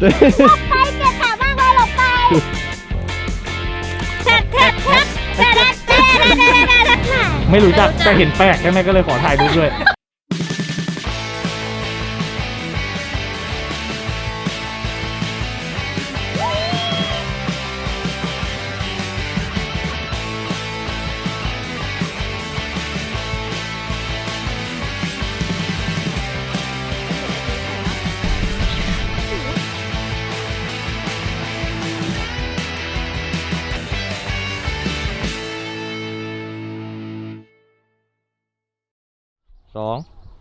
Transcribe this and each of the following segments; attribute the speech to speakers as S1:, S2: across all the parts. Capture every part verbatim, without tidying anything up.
S1: ไปเก็บขามากเลยหลบไปแทบแทบแทบแทบแทบแทบ
S2: ไม่รู้จักแต่เห็นแปลกใช่ไหมก็เลยขอถ่ายรูปด้วยสอง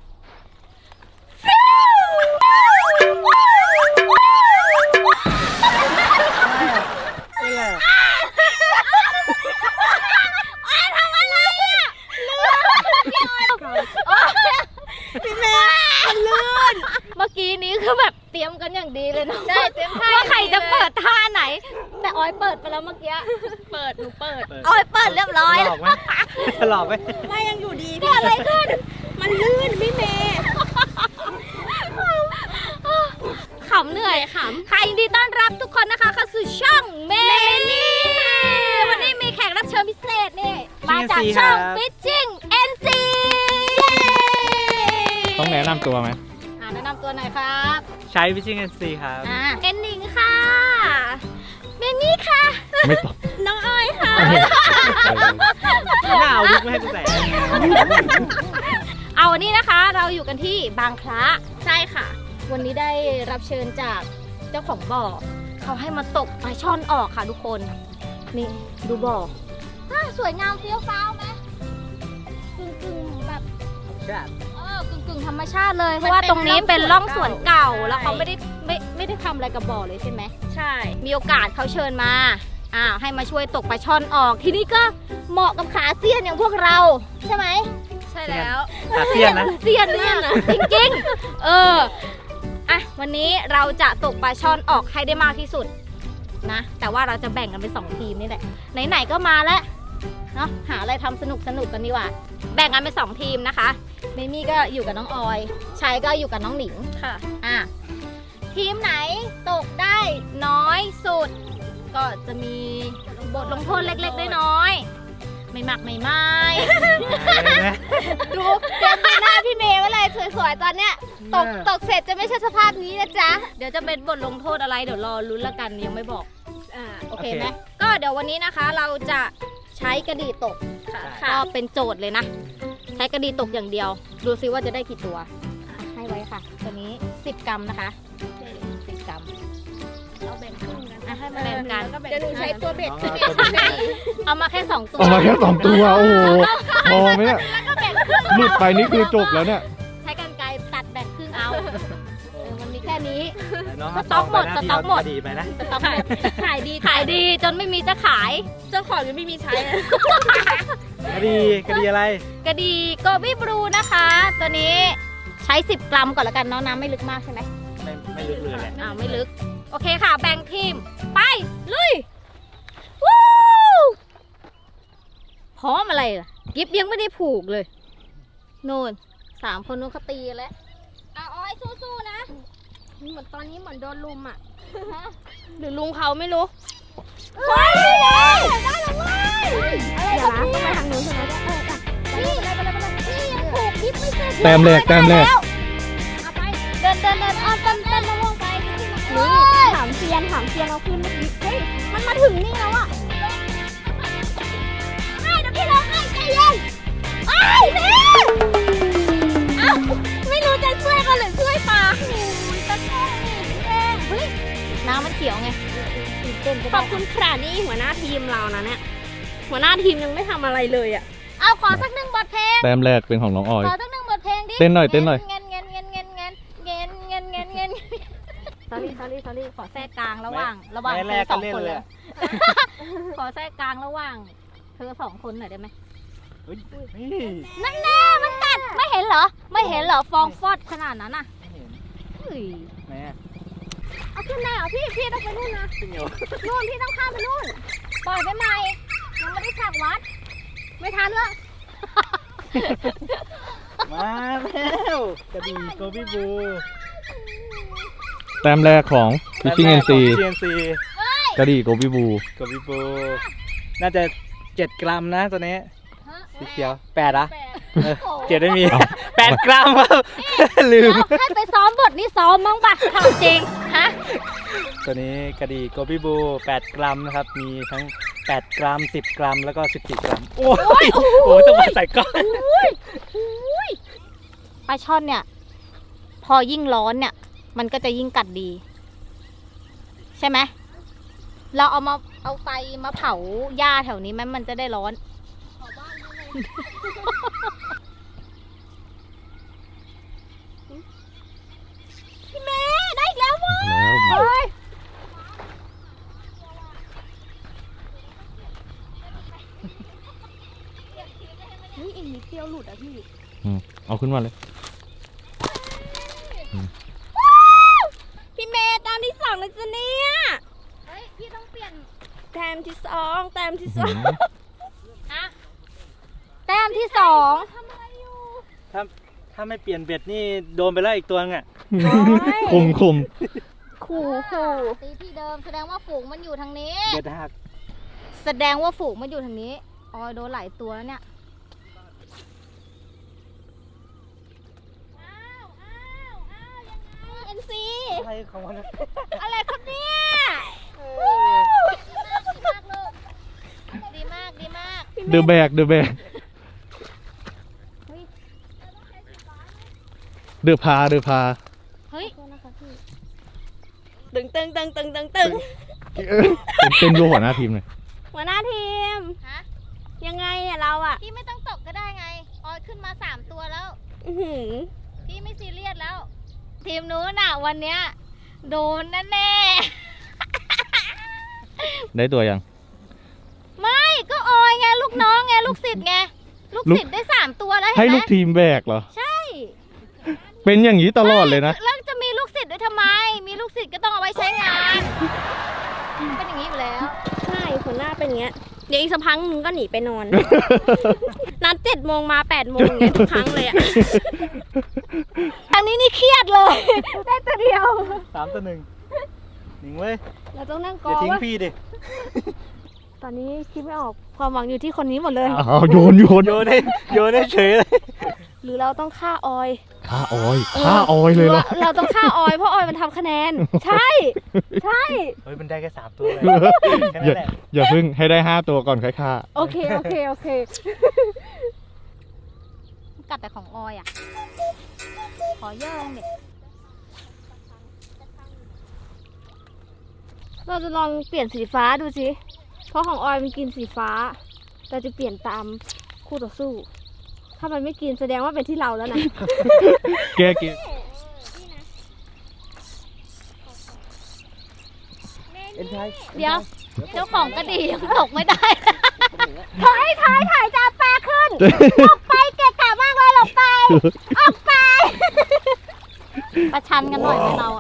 S1: พี่เมย์มันลื่นเมื่อกี้นี้คือแบบเตรียมกันอย่างดีเลยเนาะใช่เตรียมท่าว่าใครจะเปิดท่าไหนแต่ออยเปิดไปแล้วเมื่อกี้เปิดหนูเปิดออยเปิดเรียบร้อยหลอกไหม
S2: หลอกไหม
S1: ไม่ยังอยู่ดีเกิดอะไรขึ้นมันลื่นพี่เมย์ขำเหนื่อยขำใครยินดีต้อนรับทุกคนนะคะเข้าสู่ช่องเมนี่วันนี้มีแขกรับเชิญพิเศษนี่มาจากช่อง Fishing เอ็น ซี
S2: ต้องแนะนำตัวไหม
S1: อ่าแนะนำตัวหน่อยครับ
S2: ใช้ Fishing เอ็น ซี ครับ
S1: อ่าเอ็นหนิงค่ะเมนี่ค่ะ
S2: ไม่ตอบ
S1: น้องออยค่ะ
S2: หน้าวิกไม่ให้กูใส่
S1: เอาวันนี้นะคะเราอยู่กันที่บางคล้าใช่ค่ะวันนี้ได้รับเชิญจากเจ้าของบ่อเขาให้มาตกปลาช่อนออกค่ะทุกคนนี่ดูบ่อสวยงามเฟี้ยวฟ้าวไหมกึ่งกึ่งแบบเออกึ่งกึ่งธรรมชาติเลยเพราะว่าตรงนี้เป็นร่องสวนเก่าแล้วเขาไม่ได้ไม่ไม่ได้ทำอะไรกับบ่อเลยใช่ไหมใช่มีโอกาสเขาเชิญมาอ่าให้มาช่วยตกปลาช่อนออกทีนี้ก็เหมาะกับขาเซียนอย่างพวกเราใช่ไหมใช่แล้ว
S2: ขาเซียนนะ
S1: เซียนมากจริงๆเอออ่ะวันนี้เราจะตกปลาช่อนออกให้ได้มากที่สุดนะแต่ว่าเราจะแบ่งกันเป็นสองทีมนี่แหละไหนๆก็มาแล้วเนาะหาอะไรทำสนุกสนุกกันดีกว่าแบ่งกันเป็นสองทีมนะคะเมมี่ก็อยู่กับน้องออยชัยก็อยู่กับน้องหนิงค่ะอ่ะทีมไหนตกได้น้อยสุดก็จะมีบทลงโทษเล็กๆน้อยๆไม่มากไม่ไม่ดูเตรียมดูหน้าพี่เมย์ไว้เลยสวยๆตอนเนี้ยตกตกเสร็จจะไม่ใช่สภาพนี้นะจ๊ะเดี๋ยวจะเป็นบทลงโทษอะไรเดี๋ยวรอลุ้นละกันยังไม่บอกอ่าโอเคไหมก็เดี๋ยววันนี้นะคะเราจะใช้กระดี่ตกก็เป็นโจทย์เลยนะใช้กระดี่ตกอย่างเดียวดูซิว่าจะได้กี่ตัวให้ไว้ค่ะตัวนี้สิบกรัมนะคะสิบกรัมเราแบ่งครึ่งกันให้มาแบ่งกันเดี๋ยวหนูใช้ตัวเบ็ดเอามาแค่สองตัว
S2: เอามาแค่สองตัวโอ้โหพอไหมเนี่ยหลุดไปนี่คือจบแล้วเนี่ย
S1: ใช้กรรไกรตัดแบ่งครึ่งเอามันมีแค่นี้สต็อกหมดสต็อกหมด
S2: ไปนะ
S1: สต็อกหมดขายดีขายดีจนไม่มีจะขายเจ้าของยังไม่มีใช้
S2: กระดีกระดีอะไร
S1: กระดีโกบี้บลูนะคะตัวนี้ใช้สิบกรัมก่อนละกันเนาะน้ำไม่ลึกมากใช่ไหม
S2: ไม่ไม่ลึกเลยแหละ
S1: อ่าไม่ลึกโอเคค่ะแบ่งทีมไปลุยวู้พร้อมอะไรล่ะกิฟยังไม่ได้ผูกเลยโน่นสามคนนู้นเขาตีแล้วเอาอ้อยสู้ๆนะเหมือนตอนนี้เหมือนโดนลุมอ่ะหรือลุงเขาไม่รู้เฮ้ยได้แล้วเว้ยเดี๋ยวนะต้องไปทางนู้นใช่ไหมเออนี่ไปเลยไปเลยไปเลยนี่ยังผูกกิฟไม่เสร็จ
S2: แต้มแรกแต้มแรก
S1: เอาไปเดินเดินเดินอ้อมต้นต้นมะม่วงไปนี่ถามเซียนถามเซียนเอาขึ้นเมื่อกี้เฮ้ยมันมาถึงนี่แล้วอ่ะให้เดี๋ยวพี่ร้องให้ใจเย็นไอ้เนี่ยเอ้าไม่รู้จะช่วยกันหรือช่วยปลาโอ้ยตะแคงเองเฮ้ยน้ำมันเขียวไงขอบคุณค่ะนี่หัวหน้าทีมเรานะเนี่ยหัวหน้าทีมยังไม่ทำอะไรเลยอ่ะเอาขอสักหนึ่งบทเพลง
S2: แต้มแรกเป็นของน้องออย
S1: ขอสักหนึ่งบทเพลงดิ
S2: เต้นหน่อยเต้นหน่อย
S1: เงินเงินเงินเงินเงินเงินเงินเงินเงิน sorry sorry sorry ขอแทรกกลางระหว่างระหว่างเธอสองคนเลยขอแทรกกลางระหว่างเธอสองคนหน่อยได้ไหมนั่นแน่มันกัดไม่เห็นเหรอไม่เห็นเหรอฟองฟอดขนาดนั้นน่ะเฮ้ยแม่เอาขึ้นแน่เหรอพี่พี่ต้องไปนู่นนะนู่นพี่ต้องข้ามไปนู่นปล่อยไปใหม่ยังไม่ได้ฉากวัดไม่ทันแล้ว
S2: มาแล้วกระบี่โกบี้บูแต้มแรกของ Fishing เอ็น ซี
S3: ซีเอ็นซี
S2: กระดี่โกบิบู
S3: กับวิบูน่าจะเจ็ดกรัมนะตัวนี้สีเขียวแปดอะเออเจ็ดไม่มีแปดกรัมครับลืม
S1: แล้วให้ไปซ้อมบทนี้ซ้อมมั้งปะถามจริงฮะ
S3: ตัวนี้กระดี่โกบิบูแปดกรัมนะครับมีทั้งแปดกรัมสิบกรัมแล้วก็สิบสี่กรัมโอ้ยโอ้ยต้องมาใส่ก้อน
S1: อุ้ยอุ้ยปลาช่อนเนี่ย พอยิ่งร้อนเนี่ย มันก็จะยิ่งกัดดี ใช่ไหมเราเอามาเอาไฟมาเผาหญ้าแถวนี้ไหมมันจะได้ร้อนพี่เมย์ได้อีกแล้วว่ะ
S2: แล้ว
S1: เฮ้ยนี่อีกนิดเดียวหลุดอ่ะพี่
S2: อืมเอาขึ้นมาเลย
S4: พี่เมย์ตามที่สองแล้วจ้ะเนี่ย
S1: เฮ้ย พี่ต้องเปลี่ยน
S4: แต้มที่สองแต้มที่สอง
S1: ฮะแต้มที่สอง
S3: ถ้าถ้าไม่เปลี่ยนเบ็ดนี่โดนไปแล้วอีกตัวนึงอ่ะ
S2: คุมคุม
S4: ขู่ขู่
S1: ตีที่เดิมแสดงว่าฝูงมันอยู่ทางนี้
S3: เบ็ดหัก
S1: แสดงว่าฝูงมันอยู่ทางนี้ออยโดนหลายตัวแล้วเนี่ย อ้าวอ้าวอ้าวยังไง
S4: เอ็นซี
S3: อะไรของมัน
S4: อะไรครับเนี่ย
S1: ดีมากลูกดีมาก
S2: เดอะแบกเดอะแบกเดอะพาเดอะพา
S1: เฮ้ย
S4: ตึงตึงตึงตึงตึงตึง
S2: เป็นเป็นดูหัวหน้าทีมเลย
S4: หัวหน้าทีม
S1: ฮะ
S4: ยังไงเนี่ยเราอ่ะ
S1: พี่ไม่ต้องตกก็ได้ไง ออยขึ้นมาสามตัวแล้ว
S4: อื้อหือ
S1: พี่ไม่ซีเรียสแล้ว ทีมนู้นน่ะวันเนี้ยโดนแน่แน่
S2: ได้ตัวยัง
S1: ๆไม่ก็ออยไงลูกน้องไงลูกศิษย์ไง ลูก
S2: ลูก
S1: ศิษย์ได้สามตัวแล้ว
S2: ให้
S1: เห็นไหม
S2: ลูกทีมแบกเหรอ
S1: ใช่
S2: เป็นอย่างนี้ตลอดเลยนะ
S1: แล้วจะมีลูกศิษย์ด้วยทำไม มีลูกศิษย์ก็ต้องเอาไว้ใช้งาน เป็นอย่างนี้อยู่แล้ว
S4: ใช่หัวหน้าเป็นอย่างเงี้ยเดี๋ยวอีกสักพักนึงก็หนีไปนอน นัดเจ็ดโมงมาแปดโมงไงทุกครั้งเลยอ่ะ
S1: ทางนี้นี่เครียดเลย ได้ตัวเดียว
S3: สามตัวหนึ่งหนิงเว้ย
S4: เราต้องนั่งก
S3: อย่า
S4: อ
S3: ทิ้ง
S4: ว่า
S3: พี่ดิ
S4: ตอนนี้คิดไม่ออกความหวังอยู่ที่คนนี้หมดเลย
S2: อ้าวโยนโยน
S3: โยนให้โยนให้เฉยเลย
S4: หรือเราต้องฆ่าออย
S2: ฆ่าออยฆ่าออยเลยเหรอ
S4: เราต้องฆ่าออยเพราะออยมันทำคะแนน ใช่ ใช่
S3: เฮ้ยมันได้แค่สามตัวเลยแค่
S2: อย่า
S3: นั้นแหละ
S2: อย่าเพิ่งให้ได้ห้าตัวก่อนค่อยฆ่า
S4: โอเค โอเค โอเค
S1: กัดแต่ของออยอ่ะ ขอเยอะเด็ก
S4: เราจะลองเปลี่ยนสีฟ้าดูสิ เพราะของออยมันกินสีฟ้า เราจะเปลี่ยนตามคู่ต่อสู้ ถ้ามันไม่กินแสดงว่าเป็นที่เราแล้วนะ
S2: แกกิน
S3: เอ็นไทย
S1: เดี๋ยว เจ้าของกระดี่ยังตกไม่ได้
S4: ถอยถอยถอยจะปลาขึ้น ออกไปเกะกะมากเลยหลบไป ออกไป
S1: ประชันกันหน่อยไหมเราอะ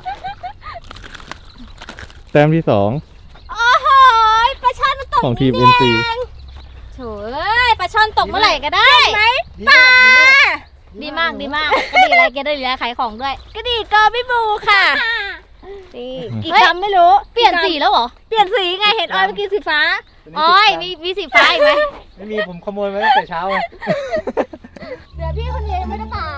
S2: แต้มที่สอง
S4: โอ้โหปลาช่อนมันตก
S2: ของทีม
S4: นี่
S2: เอ็น ซี
S4: เอง
S1: โถ่เอ้ยปลาช่อนตกเมื่อไหร่ก็ได้
S4: ไหม
S3: ปลา
S1: ดีมากดีมากกระดี่อะไรแกได้เหลือขายของด้วย
S4: กระดีกอพี่บูค่ะ นี่กี่
S1: เฮ้ย
S4: คำไม่รู้
S1: เปลี่ยนสีแล้วเหรอ
S4: เปลี่ยนสีไง เห็นออยเมื่อกี้สีฟ้า
S1: ออยมีมีสีฟ้าอีกไหม
S3: ไม่มีผมขโมยมาตั้งแต่เช้าเลย
S4: เหลือพี่คนเดียวยังไม่ได้ปลา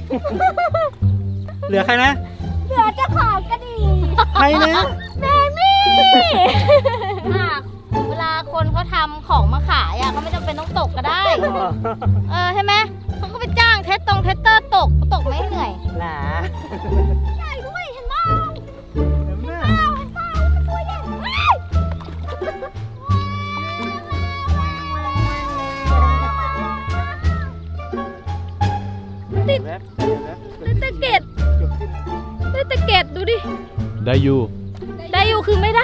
S3: เหลือใครนะ
S4: เหลือเจ้าของกระดี
S3: ใครนะ
S4: เบมี่
S1: อ่ะเวลาคนเขาทำของมาขายอ่ะเขาไม่จำเป็นต้องตกก็ได้ เออใช่ไหมเขาก็ไปจ้างเทสตรงเทสเตอร์ตกตกไม่เหนื่อย
S3: หนา
S4: ใหญ่ด้วยเห็นไหม
S3: เห็นไหม
S4: เห็นเปล่ามันตัวใหญ่มาก
S3: ติดแวบติดแวบ
S4: ได้ตะเก็ด
S3: เกือบขึ้น
S4: ได้ตะเก็ดดูดิ
S2: ได้อยู่
S1: ได้อยู่คือไม่ได้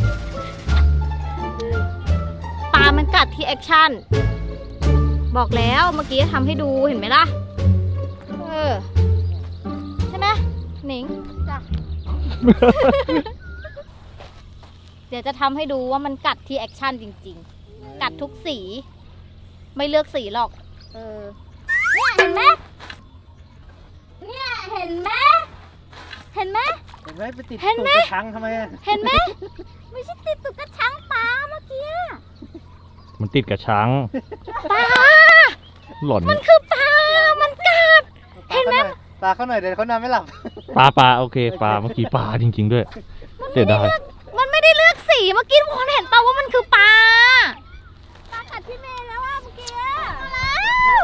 S1: ปลามันกัดที่แอคชั่น บอกแล้วเมื่อกี้ทำให้ดูเห็นไหมล่ะ เออ ใช่ไหมหนิงจ้ะ เดี๋ยวจะทำให้ดูว่ามันกัดที่แอคชั่นจริงๆ กัดทุกสี ไม่เลือกสีหรอก เออ เนี่ยเห็นไหมเนี่ยเห็นไหมเห็นไหม
S3: เห็นไหมไปติด
S1: เห็นไหม
S3: ตูดกระชังทำไมอะ
S1: เห็นไหมไม่ใช่ติดตุกกระชังปลาเมื่อกี้
S2: มันติดกับช้าง
S1: ปลา
S2: หล่อน
S1: มันคือปลา มันกัด เห็นไหม
S3: ปลาเขาหน่อยเดี๋ยวเขานอนไม่หลับ
S2: ปลาปลาโอเคปลาเมื่อกี้ปลาจริง ๆ ด้วยเสียดาย
S1: มันไม่ได้เลือกสีเมื่อกี้ทุกคนเห็นเปล่าว่ามันคือปลา ปลากัดพี่เมย์แล้วว่าเมื่อกี้แล้ว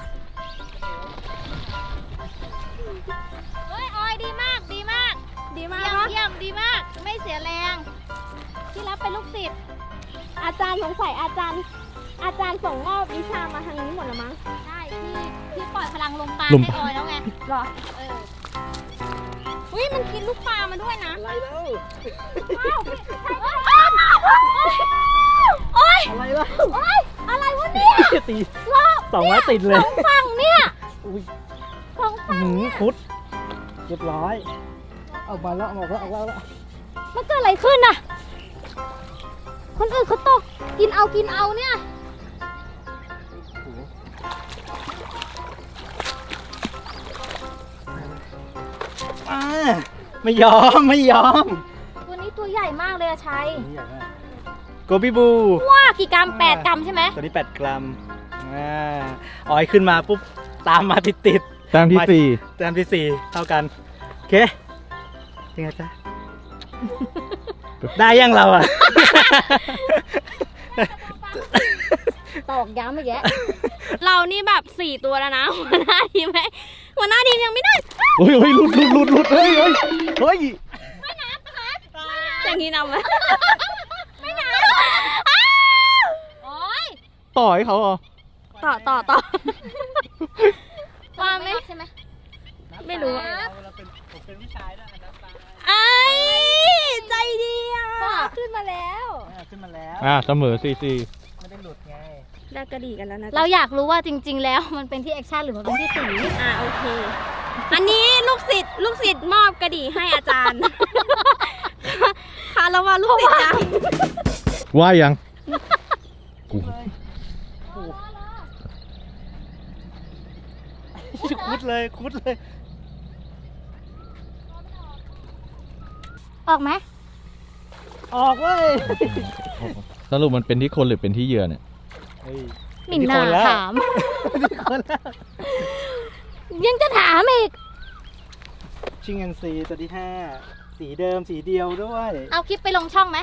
S1: เฮ้ยออยดีมากดีมาก
S4: ดีมาก
S1: เยี่ยม
S4: เนาะ
S1: เยี่ยมดีมาก ไม่เสียแรง ที่รับเป็นลูกศิษย์
S4: อาจารย์สงสัยอาจารย์ อาจารย์ส่งมอบวิชามาทางนี้หมดแล้วมั้ง
S1: ใช่ที่ที่ปล่อยพลังลงปลา
S2: ลง
S1: ให้ออยแล้วไง
S4: หรอ
S1: เออ
S4: อุ้ยมันกินลูกปลามาด้วยนะ
S3: อะไรแล้ว
S1: โอ๊ย
S3: อะไรแล้ว
S1: โอ๊ยอะไรวะเนี่ย
S3: ตี
S1: รอบ
S3: สองไม้ติดเลย
S1: สองฝั่งเนี่ย
S3: อุ้ย
S1: สองฝั่ง
S3: หืมคุดเรียบร้อยออกมาแล้วออกมาแล้วออกมาแล้ว
S1: มันเกิดอะไรขึ้นน่ะ คนอื่นเขาตก กินเอากินเอาเนี่ย
S3: อ่าไม่ยอมไม่ยอม
S1: ตัวนี้ตัวใหญ่มากเลยอะชัย
S3: โกบิบู
S1: ว้ากี่กรัมแปดกรัมใช่ไหม
S3: ตัวนี้แปดกรัมอ่าออยขึ้นมาปุ๊บตามมาติดติด
S2: แต้มที่สี่
S3: ๆแต้มที่สี่เท่ากันโอเคยังไงจ๊ะ ได้ยังเราอ่ะ
S1: ตอกย้ำอีกแยะ
S4: เรานี่แบบสี่ตัวแล้วนะ หัวหน้าทีมไหมหัวหน้าทีมยังไม่ได้
S2: เฮ้ยเฮ้ยหลุดหลุดหลุดหลุดเฮ้ยเฮ้ยเฮ้ย
S4: อย่างนี้นำไหม
S1: ไม่นะโอ๊ย
S2: ต่อยเขาเหรอ
S4: ต่อต่อต่อ
S1: ปลาไหมใช่ไหม
S4: ไม่รู้
S3: เราเป็นผมเป็นผู้ชายนะน้ำปลา
S4: ไอ้ใจดีอ่ะ ขึ้นมาแล้ว
S3: ขึ้นมาแล้ว
S2: อ่าเสมอสี่สี่
S3: ไม่ได้หลุดไง
S4: ได้กระดีกันแล้วนะ
S1: เราอยากรู้ว่าจริง ๆ แล้วมันเป็นที่แอคชั่นหรือมันเป็นที่สี
S4: อ่าโอเค อันนี้ลูกศิษย์ลูกศิษย์มอบกระดีให้อาจารย์ ค่ะแล้วว่าลูกศิษย์ยัง
S2: ว่ายังกู
S3: คุดเลยคุดเลย
S1: ออกไหม
S3: ออกเว้ย
S2: สรุปมันเป็นที่คนหรือเป็นที่เหยื่อเนี่ย
S3: เฮ้ย
S1: หมิ่นหน้า
S3: คนแล้ว
S1: ถาม
S3: เป็นคนแล้ว
S1: ยังจะถามอีก
S3: ชิงเงินซีตัวที่ห้าสีเดิมสีเดียวด้วย
S1: เอาคลิปไปลงช่องไหม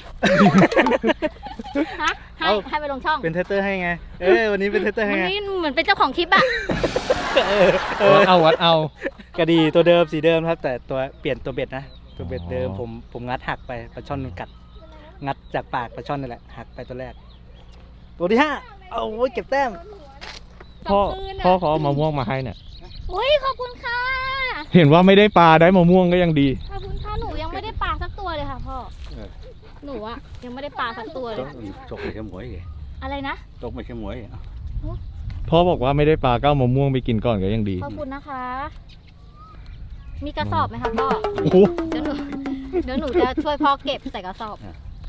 S1: ฮะ ให้
S3: เอา
S1: ให้ไปลงช่อง
S3: เป็นเทสเตอร์ให้ไง เออวันนี้เป็นเทสเตอร์ให้
S1: มัน
S3: ไง
S1: นี่เหมือนเป็นเจ้าของคลิปอะ
S3: เออเออ
S2: วัดเอาวัดเอา
S3: กระดีตัวเดิมสีเดิมครับ แต่ตัวเปลี่ยนตัวเบ็ดนะ ตัวเบ็ดเดิม
S2: อ๋อ
S3: ผมผมงัดหักไปปลาช่อนมันกัด งัดจากปากปลาช่อนนั่นแหละหักไปตัวแรก ตัวที่ห้าเอาไว้เก็บแต้ม
S2: พ่อพ่อเขาเอามะม่วงมาให้เนี่ย
S1: อุ้ยขอบคุณค่ะ
S2: เห็นว่าไม่ได้ปลาได้มะม่วงก็ยังดี
S1: ขอบคุณค่ะ หนูยังไม่ได้ปลาสักตัวเลยค่ะพ่อ
S5: เออ
S1: หนูอะยังไม่ได้ปลาสักตัวเลย
S5: ตกไปแค่หมวยไง
S1: อะไรนะ
S5: ตกไปแค่หมวยอ่ะ
S2: พ่อบอกว่าไม่ได้ปลาก็เอามะม่วงไปกินก่อนก็ยังดี
S1: ขอบคุณนะคะ มีกระสอบไหมคะพ่อ
S2: โอ้โห
S1: เดี๋ยวหนู เดี๋ยวหนูจะช่วยพ่อเก็บใส่กระสอบ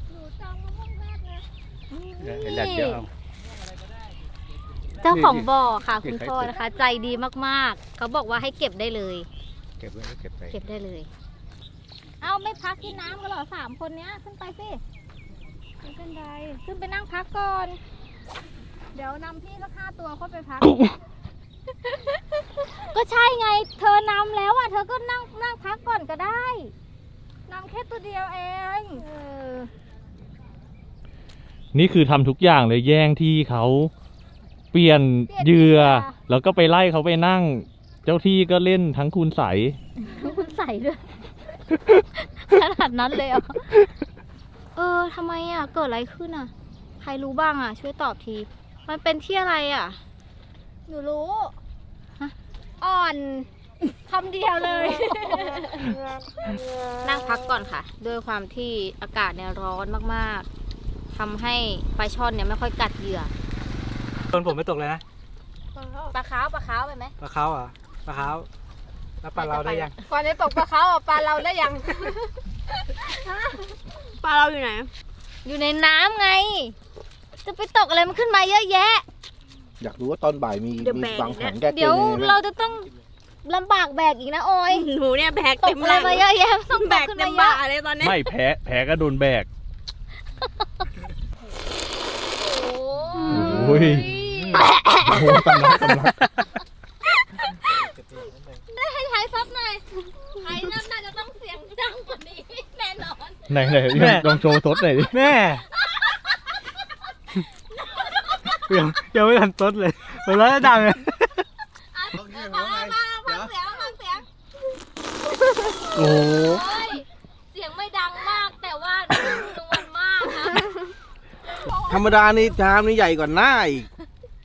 S5: ไอ้แรกเดี๋ยวเอา
S1: เจ้าของบ่อค่ะ คุณพ่อนะคะ ใจดีมากๆ เขาบอกว่าให้เก็บได้เลย
S5: เก็บไว้แล้วเก็บไป
S1: เก็บได้เลย เอาไม่พักที่น้ำกันเหรอสามคนเนี้ยขึ้นไปสิไม่เป็นไรขึ้นไปนั่งพักก่อน เดี๋ยวนำพี่สักห้าตัวค่อยไปพัก ก็ใช่ไง เธอนำแล้วอ่ะ เธอก็นั่งนั่งพักก่อนก็ได้นำแค่ตัวเดียวเองเออ
S2: นี่คือทำทุกอย่างเลยแย่งที่เขาเปลี่ยนเหยื่อแล้วก็ไปไล่เขาไปนั่ง เจ้าที่ก็เล่นทั้งคูณใส
S1: คุณใส่ด้วย ขนาดนั้นเลยเหรอเออทำไมอ่ะ เกิดอะไรขึ้นอ่ะ ใครรู้บ้างอ่ะ ช่วยตอบที มันเป็นที่อะไรอ่ะ
S4: หนูรู้
S1: ฮะ
S4: อ่อนคำเดียวเลย
S1: นั่งพักก่อนค่ะ ด้วยความที่อากาศเนี่ยร้อนมากๆทำให้ปลาช่อนเนี่ยไม่ค่อยกัดเหยื่อ
S3: โดนผมไม่ตกเลยนะ
S1: ปลาขาวปลาขาวไปไหม
S3: ปลาเขาอ่ะปลาเขาแล้วปลาเราได้ยัง
S4: ก่อนจะตกปลาเขาอ่ะปลาเราได้ยัง ปลาเราอยู่ไหน
S1: อยู่ในน้ำไง จะไปตกอะไรมันขึ้นมาเยอะแยะ
S5: อยากรู้ว่าตอนบ่ายมี
S4: เดี๋ยว
S5: มี
S4: แบ่ง
S5: วางแผน
S4: นะ
S5: แก้เก
S1: เดี๋ยว
S5: มยังไง
S1: เรา
S5: บ้าง
S1: จะต้องลำบากแบกอีกนะออย
S4: หนูเนี่ยแบก
S1: ต
S4: เต็
S1: ก
S4: ม
S1: อะไร
S4: แรง
S1: มาเยอะแยะต้อง
S4: แบ
S1: แบ
S4: ก
S1: กขึ้น
S4: เต็
S1: มาม เย
S4: บ่า
S1: อะ
S4: เลยตอนเนี้ย
S2: ไม่แพ้แพ้ก็โดนแบก
S1: โอ้
S2: โอ้ย โอ้โหสำลักสำลัก
S1: ได้ให้ไทยซับหน่อยไทยน่าจะต้องเสียงดังกว่านี้แน่นอน
S2: ไหนไหนลองโชว์สดหน่อยดิ
S3: แม่ยังยังไม่ทันต้นเลยมันแล้วดังเลย
S1: อ่ะมามามาฟังเสียงฟังเสียง
S2: โอ้โห
S1: โอ้ยเสียงไม่ดังมากแต่ว่านุ่มนวลมากนะ
S6: ธรรมดานี่ชามนี่ใหญ่กว่าหน้าอีก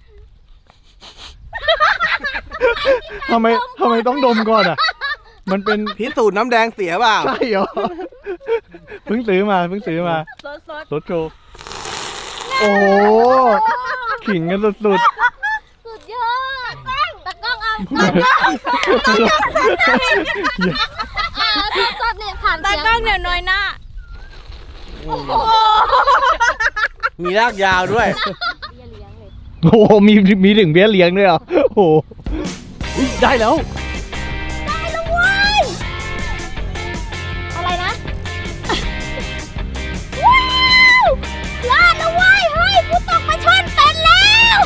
S2: ทำไมทำไมต้องดมก่อนอ่ะ มันเป็น
S6: พิสูจน์น้ำแดงเสียเปล่า
S2: ใช่เหรอ เพิ่งซื้อมาเพิ่งซื้อมา
S4: สดสด
S2: รถโชว์โอ้โหขิงกันสุด
S1: สุดยอดตะกล้องเอาตะกล้อง
S2: ๆ
S1: อ่าสดๆเนี่ยผ่าน
S4: ตา
S1: เสียง
S4: กล้องเดี๋ยวน้อยหน้า
S6: มีรากยาวด้วย
S2: โอ้โหมีมีถึงเบี้ยเลี้ยงด้วยเหรอ โอ้โหอุ๊ยได้แล้ว
S1: ได้แล้วเว้ยอะไรนะว้าวรอดแล้วเว้ยเฮ้ยกูตกปลาช่อนเป็นแล้ว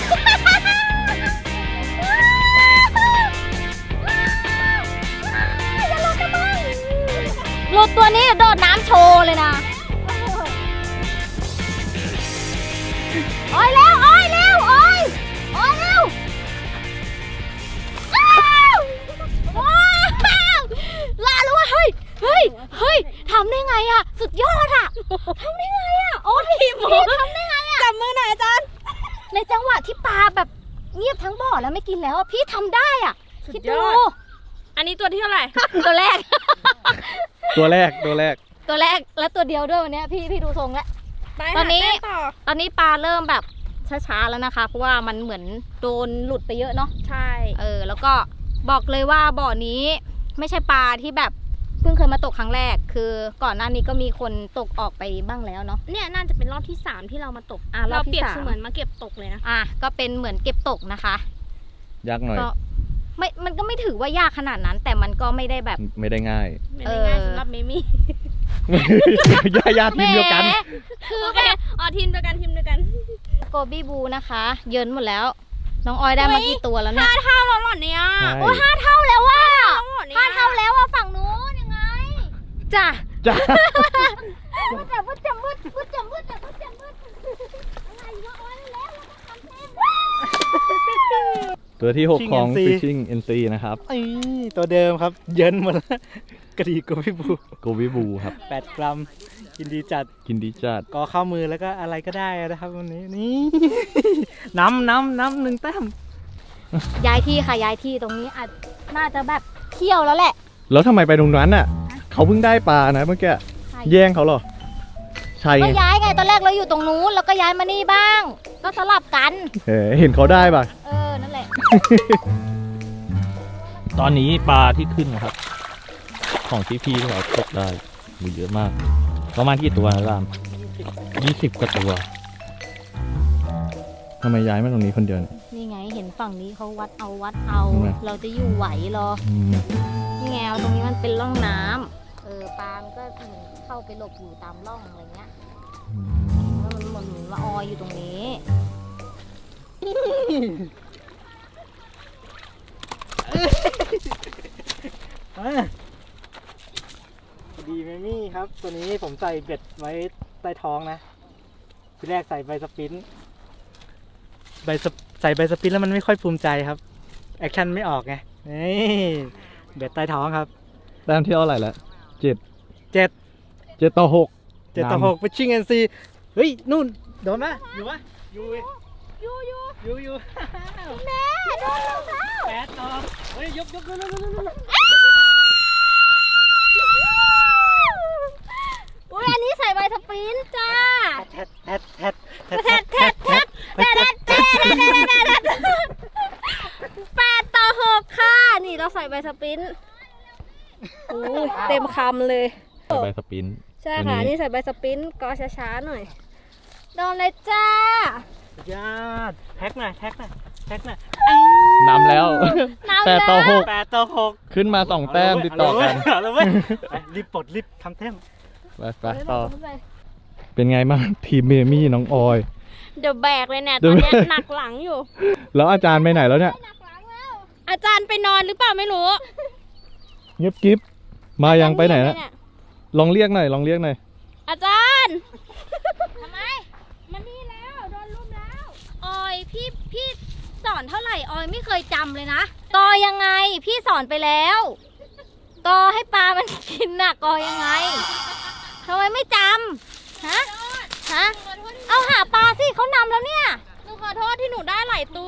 S1: หลุดตัวนี้โดดน้ำโชว์เลยนะโอ้ยเร็วโอ้ยเร็วโอ้ยโอ้ยเร็วว้าวว้าวลาแล้วเว้ยเฮ้ยเฮ้ยเฮ้ยทำได้ไงอะสุดยอดอะทำได้ไงอะโอ้ยพี่ทำได้ไงอะ
S4: จับมือหน่อยอาจารย์
S1: ในจังหวะที่ปลาแบบเงียบทั้งบ่อแล้วไม่กินแล้วอะพี่ทำได้อะคิดดู
S4: อันนี้ตัวที่เท่าไหร่
S1: ตัวแรก
S2: ตัวแรกตัวแรก
S1: ตัวแรกและตัวเดียวด้วยวันเนี้ยพี่พี่ดูทรงแล้ว
S4: ไป
S1: ตอนนี้
S4: หาแต้มต่อ
S1: ตอนนี้ปลาเริ่มแบบช้าๆแล้วนะคะ เพราะว่ามันเหมือนโดนหลุดไปเยอะเนาะ
S4: ใช่
S1: เออแล้วก็บอกเลยว่าบ่อนี้ไม่ใช่ปลาที่แบบเพิ่งเคยมาตกครั้งแรก คือก่อนหน้านี้ก็มีคนตกออกไปบ้างแล้วเนาะ
S4: เนี่ยน่าจะเป็นรอบที่สามที่เรามาตก
S1: อ่ะรอบที่
S4: เปรียบ
S1: สาม
S4: เสมือนมาเก็บตกเลยนะ
S1: อ่ะก็เป็นเหมือนเก็บตกนะคะ
S2: ยากหน่อย
S1: ก็ไม่มันก็ไม่ถือว่ายากขนาดนั้น แต่มันก็ไม่ได้แบบ
S2: ไม่ได้ง่าย
S4: ไม่ได้ง่าย
S1: เออ
S4: สำหรับเมมี่
S2: ญาญาทีมเดียวกัน
S1: แหมคือ
S4: โอ
S1: แบ
S4: เค
S1: บ
S4: อ๋อทีมเดียวกันทีมเดียวกัน
S1: โกบี้บูนะคะ เยินหมดแล้ว น้องออยได้มากี่ตัวแล้วเนี่ย
S4: ห้าเท่าแล้วเหรอเนี่ย
S2: ใช่
S1: โอ้ห้าเท่าแล้วว่ะ
S4: เหรอเนี่ย
S1: ห้าเท่าแล้วอ่ะฝั่งนู้นยังไงจ้ะ
S2: จ้า
S1: มืดแต่มืดจะมืดมืดจะมืดแต่มืดจะมืดอะไรวะออยแล้วเราต้องทำเต็ม
S2: ตัวที่หก
S3: Fishing
S2: ของ
S3: เอ็นซี
S2: Fishing เอ็น ซี นะครับ
S3: ไอ้ตัวเดิมครับ เยินหมดแล้วกระดีกพี่บู
S2: โกวิบูครับ
S3: แปดกรัมกินดีจัด
S2: กินดีจัด
S3: กอเข้ามือแล้วก็อะไรก็ได้นะครับวันนี้นี่ น้ำน้ำน้ำหนึ่งแต้ม
S1: ย้ายที่ค่ะย้ายที่ตรงนี้อาจน่าจะแบบเที่ยวแล้วแหละ
S2: แล้วทำไมไปตรงนั้นน่ะ เขาเพิ่งได้ปลานะเมื่อกี้ แย่งเขาเหรอ ใช่
S1: ก็
S2: ไง
S1: ย้ายไงตอนแรกเราอยู่ตรงนู้นแล้วก็ย้ายมานี่บ้าง ก็สลับกัน
S2: เออเห็นเขาได้ป่ะ
S1: เออนั่นแหละ
S2: ตอนนี้ปลาที่ขึ้นนะครับ ของที่พี่ที่เขาตกได้มีเยอะมาก ประมาณกี่ตัวนะรามยี่สิบกว่าตัวทำไมย้ายมาตรงนี้คนเดียวเนี่ย
S1: นี่ไงเห็นฝั่งนี้เขาวัดเอาวัดเอา
S2: ทำไม
S1: เราจะอยู่ไหวเหรอ
S2: อืม
S1: นี่ไงเอาตรงนี้มันเป็นร่องน้ำเออปลา มันก็เหมือนเข้าไปหลบอยู่ตามร่องอะไรเงี้ยแล้วมันเหมือนละออยอยู่ตรงนี้
S3: ดีเมมี่ครับ ตัวนี้ผมใส่เบ็ดไว้ใต้ท้องนะ ทีแรกใส่ใบสปินใบสปใส่ใบสปินแล้วมันไม่ค่อยภูมิใจครับ แอคชั่นไม่ออกไงนี่เบ็ดใต้ท้องครับ
S2: แต้มที่เท่าไหร่แล้วเจ็ด
S3: เจ็ด
S2: เจ็ดต่อหก
S3: เจ็ดต่อหกไปชิงเอ็นซีเฮ้ย นู่น โดนไหมอยู่วะอยู่เว้ยอยู่อยู่อยู่อยู่แม่โดนแล้วแปดต่อเฮ้ย ยกยกยกยกยกยก
S1: อุ้ยอันนี้ใส่ใบสปรินจ้า
S3: แทดแทดแทด
S1: แทดแทดแทดแทดแทดแทดแปดต่อหกค่ะ นี่เราใส่ใบสปรินโอ้ยเต็มคำเลย
S2: ใส่ใบสปิน
S1: ใช่
S2: ตัว
S1: ค่ะ
S2: นี้
S1: นี่ใส่ใบสปรินก็ช้าๆหน่อย โดนเลยจ้า
S3: ยอดแท็กหน่อยแท็กหน่อยแท็กหน่อยไอ้
S2: นำแล้ว
S1: น้ำ
S2: แปดต่อหก
S3: แปดต่อหก
S2: ขึ้นมาสองแต้มติดต่อกัน
S3: เอาเลยเว้ยไปรีบปลดรีบทำแต้ม
S2: ไปไปต่อ เป็นไงบ้างทีมเมมี่น้องออย
S4: เดี๋ยวแบกเลยเนี่ย
S2: เดี๋
S4: ต
S2: ย
S4: อ
S2: วน
S4: เนี้ย
S2: แบก
S4: หนักหลังอยู่
S2: แล้วอาจารย์ไปไหนแล้วเนี่ย
S4: อาจารย์ไปนอนหรือเปล่าไม่รู้
S2: เงียบกิ๊บมายังไปไหน
S4: อาจาร
S2: แล้ว
S4: ย์เย
S2: ลองเรียกหน่อยลองเรียกหน่อย
S4: อาจารย์
S1: ทำไม
S4: มานี่แล้วโดนลุมแล้ว
S1: ออยพี่พี่สอนเท่าไหร่ออยไม่เคยจำเลยนะกอยังไงพี่สอนไปแล้วกอให้ปลามันกินน่ะกอยังไงทำไมไม่จำฮะฮะเอาหาปลาสิเขานำแล้วเนี่ย
S4: หนูขอโทษที่หนูได้หลายตัว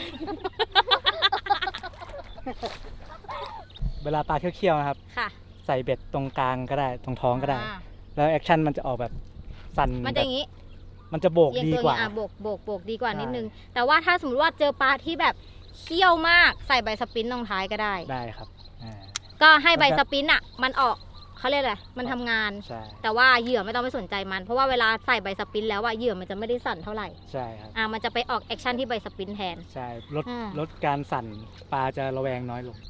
S3: เวลาปลาเคี้ยวๆนะครับ
S1: ค่ะ
S3: ใส่เบ็ดตรงกลางก็ได้ตรงท้องก็ได้
S1: อ่า
S3: แล้วแอคชั่นมันจะออกแบบสั่น
S1: มันจะอย่างนี้
S3: มันจะโบก
S1: เอียง
S3: ดี
S1: ตัว
S3: กว่า
S1: อ่ะโบกโบกโบกดีกว่า
S3: ใช่
S1: นิดนึง แต่ว่าถ้าสมมติว่าเจอปลาที่แบบเคี้ยวมากใส่ใบสปรินต์ลงท้ายก็ได้
S3: ได้ครับอ่า
S1: ก็ให้ใบ
S3: แล้ว
S1: ส
S3: ก็
S1: ปรินต์อ่ะ มันออกเขาเรียกอะไรมันทำงาน
S3: ใช่
S1: แต่ว่าเหยื่อไม่ต้องไปสนใจมัน เพราะว่าเวลาใส่ใบสปรินต์แล้วอะเหยื่อมันจะไม่ได้สั่นเท่าไหร่
S3: ใช่ครับ
S1: อ่ามันจะไปออกแอคชั่นที่ใบสปรินต์แทน
S3: ใช่ลด
S1: อ่า
S3: ลดการสั่นปลาจะระแวงน้อยลง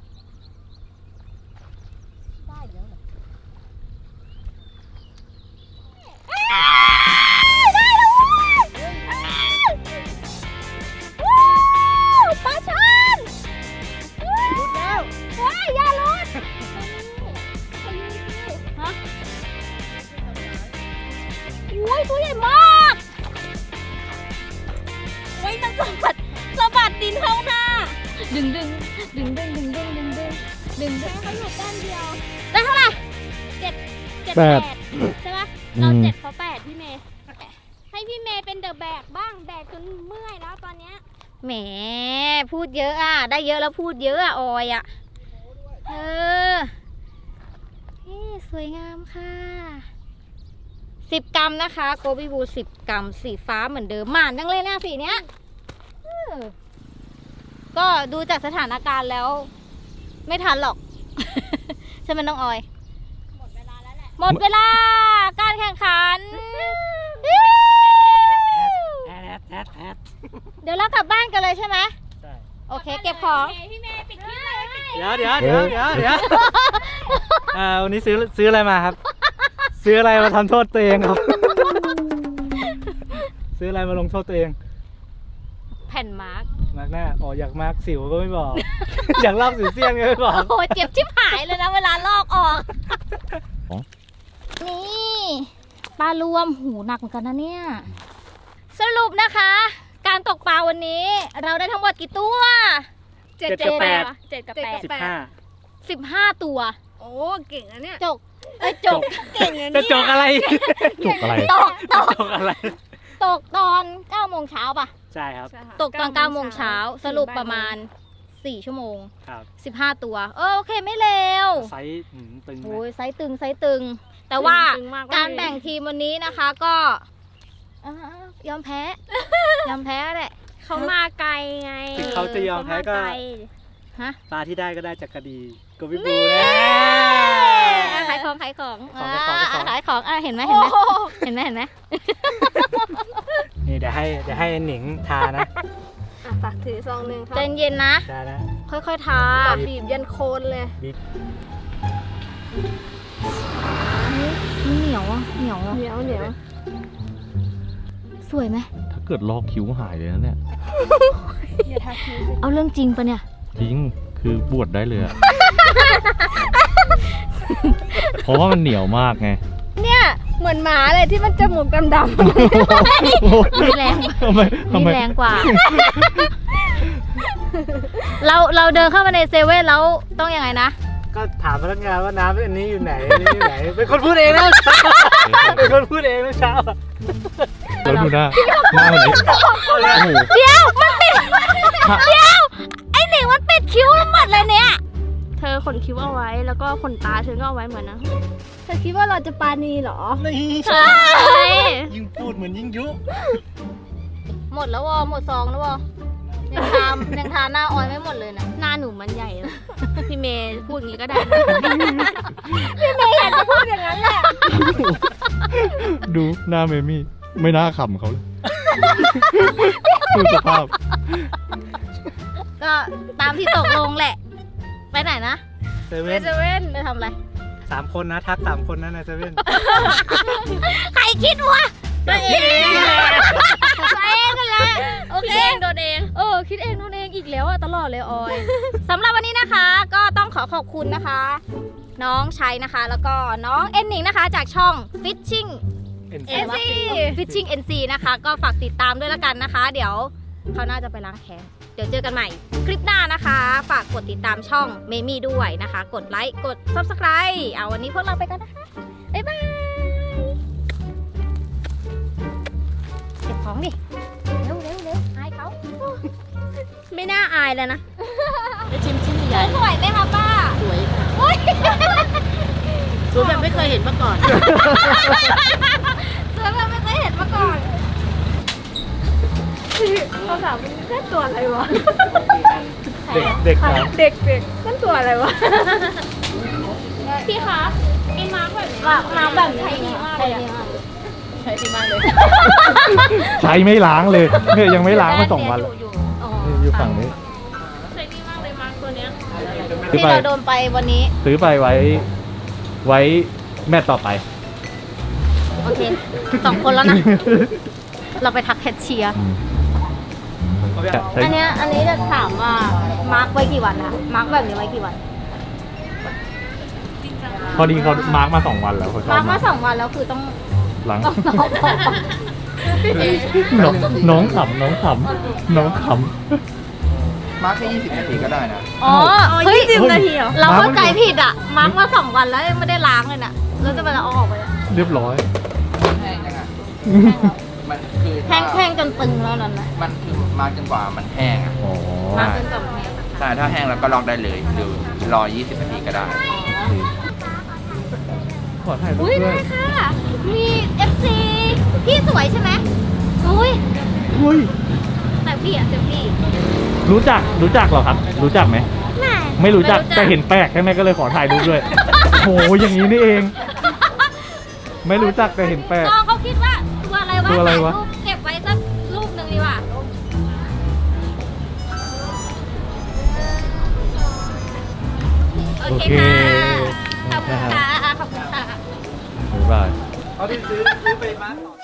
S1: ได้เดี๋ยวเหรอปลาช่อนหลุดแล้วว้ายอย่าหลุดฮะโอ้ยตัวใหญ่มากโอ้ยมันสะบัดสะบัดดินเข้าหน้า ดึงดึงดึงดึงดึงดึงดึงดึงดึงดึง
S4: เขาอยู่แต้มเดียว
S1: ได้เท่าไหร่
S4: เจ็ด
S2: แปด
S4: ใช่ปะ
S2: อืม
S4: เราเจ็ดเขาแปดพี่เมย์ ให้พี่เมย์เป็นเดอะแบกบ้าง แบกจนเมื่อยแล้วตอนเนี้ย
S1: แหมพูดเยอะอ่ะ ได้เยอะแล้วพูดเยอะอ่ะ ออยอ่ะ เออเฮ้สวยงามค่ะสิบกรัมนะคะโกบิบูสิบกรัมสีฟ้าเหมือนเดิมหมานจังเลยนะสีเนี้ยเออก็ดูจากสถานการณ์แล้ว ไม่ทันหรอก ใช่ไหมน้องออย
S4: หมดเวลาแล้วแหละ
S1: หมดเวลาการแข่งขัน
S3: แอดแอดแอด
S1: เดี๋ยวเรากลับบ้านกันเลยใช่ไหม
S3: ใช่
S1: โอเค เก็บของ
S4: พี่เมย์ปิดคลิปเลยปิดคลิป
S3: เดี๋ยวเดี๋ยวเดี๋ยวเดี๋ยวเดี๋ยวอ่าวันนี้ซื้อซื้ออะไรมาครับ ซื้ออะไรมาทำโทษตัวเองครับ ซื้ออะไรมาลงโทษตัวเอง
S1: แผ่นมาร์ก
S3: มาร์กหน้าอ๋ออยากมาร์กสิวก็ไม่บอก อยากลอกสิวเซียนก็ไม่บอก
S1: โอ้โหเจ็บชิบหายเลยนะเวลาลอกออก
S2: อ๋อ
S1: นี่ปลารวมหูหนักเหมือนกันนะเนี่ย สรุปนะคะ การตกปลาวันนี้ เราได้ทั้งหมดกี่ตัว
S3: เจ็ดกับแปด
S4: เจ็ดกับแปด
S3: สิบห้า
S1: สิบห้าตัว
S4: โอ้เก่งนะเนี่ย
S1: จกเอ้ยจก
S4: เก่งนะ
S3: จะ
S4: เนี่ย
S3: จกอะไร
S2: จบอะไร
S1: ตกตก
S3: จกอะไร
S1: ตกตอนเก้าโมงเช้าป่ะ
S3: ใช่ครับ
S4: ใช่ค่ะ
S1: ตกตอนเก้าโมงเช้าสรุปประมาณสี่ชั่วโมง
S3: ครับ
S1: สิบห้าตัวเออโอเคไม่เลว
S3: ไซส์หืมตึงนะ
S1: โอ้ยไซส์ตึงไซส์ตึง แต่ว่า
S4: ตึงม
S1: การแบ่งทีมวันนี้นะคะก็อ่ายอมแพ้ ยอมแพ้แหละ
S4: เขามาไกลไง
S3: ถึงเขาจะยอมแพ้ก็
S4: เขาาไล
S1: ฮะ
S3: ปลาที่ได้ก็ได้จากกระดีกบิบู
S1: นี่
S3: นะ
S1: ขายของขายของ
S3: ของขายของขายของ
S1: ขายของอ่ะเห็นไหมเห็นไหมเห็นไหมเห็นไหม
S3: นี่เดี๋ยวให้เดี๋ยวให้หนิงทานะ
S4: อ่ะฝากถือซองหนึ่งครับ
S1: ใจเย็นนะ
S3: ได้นะ
S1: ค่อยๆทา
S4: บีบยันโคนเลย
S1: มันเหนียวอ่ะเหนียวอ่ะ
S4: เหนียวเหนียว
S1: สวยไหม
S2: ถ้าเกิดลอกคิ้วหายเลยนะเนี่ย
S4: อย่าทาคิ้วสิ
S1: เอาเรื่องจริงปะเนี่ย
S2: จริง คือบวชได้เลยอะ เพราะว่ามันเหนียวมากไง
S4: เนี่ยเหมือนหมาเลยที่มันจมูกดำ
S1: มีแรง
S2: ทำไมทำ
S1: มี
S2: ไม
S1: แรงกว่า เราเราเดินเข้ามาในเซเว่นแล้วต้องยังไงนะ
S3: ก็ถามพนักงานว่าน้ำอันนี้อยู่ไหนอันนี้อยู่ไหน เป็นคนพูดเองนะเป็นคนพูดเองเมื่อเช้าอะ
S2: แล้วดูหน้าหน้าแบบนี้โอ้โห
S1: เดี๋ยวมันปิดเดี๋ยวไอหนิงมันปิดคิ้วทั้งหมดเลยเนี่ย
S4: ๆ เธอขนคิ้วเอาไว้แล้วก็ขนตาฉันก็เอาไว้เหมือนนะ เธอคิดว่าเราจะปาณีเหรอ
S3: นี่
S1: ใช่
S3: ยิ่งพูดเหมือนยิ่งยุ
S1: หมดแล้ววอหมดซองแล้ววอยังทามยังทาหน้าออยไม่หมดเลยนะ
S4: หน้าหนูมันใหญ่แล้ว พี่เมย์พูดอย่างนี้ก็ได้
S2: ดูหน้าเมมี่ ไม่น่าขำเขาเลย ดูสภาพ
S1: กก็ตามที่ตกลงแหละ ไปไหนนะ
S3: เซ
S1: ไป
S3: เว่น
S1: เซเว่นไปทำอะไร
S3: สามคนนะ ทักสามคนนะในเซเว่น
S1: ใครคิดวะตัวเองตัวเองกันแหละโอเคโดนเองเออคิดเองโดนเองอีกแล้วอะตลอดเลยออยสำหรับวันนี้นะคะ ก็ต้องขอขอบคุณนะคะ น้องชัยนะคะ แล้วก็น้องเอ็นหนิงนะคะ จากช่อง Fishing
S3: เอ็น
S1: เอ็นซี Fishing เอ็น ซี นะคะ ก็ฝากติดตามด้วยละกันนะคะ เดี๋ยวเขาน่าจะไปล้างแค้นเดี๋ยวเจอกันใหม่คลิปหน้านะคะ ฝากกดติดตามช่องเมมี่ด้วยนะคะ กดไลค์กด Subscribe เอาวันนี้พวกเราไปกันนะคะบ๊ายบายเก็บของดิเร็วเร็วเร็วอายเขา
S4: ไม่น่าอายเลยนะ
S1: ไปชิมชิ้นใหญ่สวยไหมคะป้าสวยค่ะสวยแบบไม่เคยเห็นมาก่อนสวยแบบไม่เคยเห็นมาก่อน
S4: เขาถามมันแค่ตัวอะไรวะ
S3: เด็กเด็กครับ
S4: เด็กเด็กนั่นตัวอะไรวะ พี่คะไอ้มาร์กแบบนี้
S1: ว่ามาแบบใช้ดีมากเลยอะ
S2: ใช้ไม่ล้างเลยเนี่ยยังไม่ล้างมาสองวันแล้ว
S1: อ๋อ
S2: อยู่ฝั่งนี้
S4: ใช้ดีมากเลยมาร์กตัวเนี้ย
S2: ซื้อ
S1: ที่
S2: ไป
S1: เราโดนไปวันนี้
S2: ซื้อไปไว้ ไว้แมตต์ต่อไป
S1: โอเคสองคนแล้วนะ เราไปทักแคชเชียร์
S2: อืมใช้
S1: อันเนี้ยอันนี้จะถามว่ามาร์กไว้กี่วันนะมาร์กแบบนี้ไว้กี่วัน
S2: พอดีเขามาร์กมาสองวันแล้วเขาชอ
S1: มา
S2: บ
S1: ร์กมาสองวันแล้วคือต้อง
S2: หลัง
S1: ต้องน้องบอก
S2: น้องน้องขำน้องขำน้องข
S6: มาร์คแค่ยี่สิบนาทีก็ได้นะ
S1: อ๋อเฮ้ย
S2: ำนาทีเหรอ
S1: เราเข้าใจผิดอ่ะ มาร์กมาสองวันแล้วยังไม่ได้ล้างเลยน่ะแล้วจะไปเอาออกไปอะ
S2: เรียบร้อย
S6: แห้งยังไงมันคือ
S1: แห้งแห้งจนตึงแล้วนั่นนะ
S6: มันคือมาร์คจนกว่ามันแห้งอ่ะ
S2: อ๋อ
S1: มาร์กจนกับแห้งอะ
S6: ใช่ถ้าแห้งแล้วก็ลองได้เลยหรือรอยี่สิบนาทีก็ได้
S2: ขอถ่ายรูป
S1: อุ้ย
S2: ด้
S1: ได้
S2: วย
S1: ค่ะ มี เอฟ ซี พี่สวยใช่ไหมอุ้ย
S2: อุ้ย
S1: แต่พี่อะเซลฟี่
S2: รู้จักรู้จักเหรอครับ รู้จักไหม
S1: แม่
S2: ไม่รู้จักแต่เห็นแปลกใช่ไหมก็เลยขอถ่ายรูปด้วย โหอย่างนี้นี่เอง ไม่รู้จักแต่เห็นแปลก
S1: น้องเขาคิดว่าตัวอะไรวะ
S2: ตัวอะไรวะ
S1: ถ่ายรูปเก็บไว้สักรูปหนึ่งดีกว่าโอเคค่ะ ขอบคุณค่ะ ขอบคุณค่ะ
S2: บ๊ายบาย
S3: เขาที่ซื้อซื้อไปมาร์คต่อ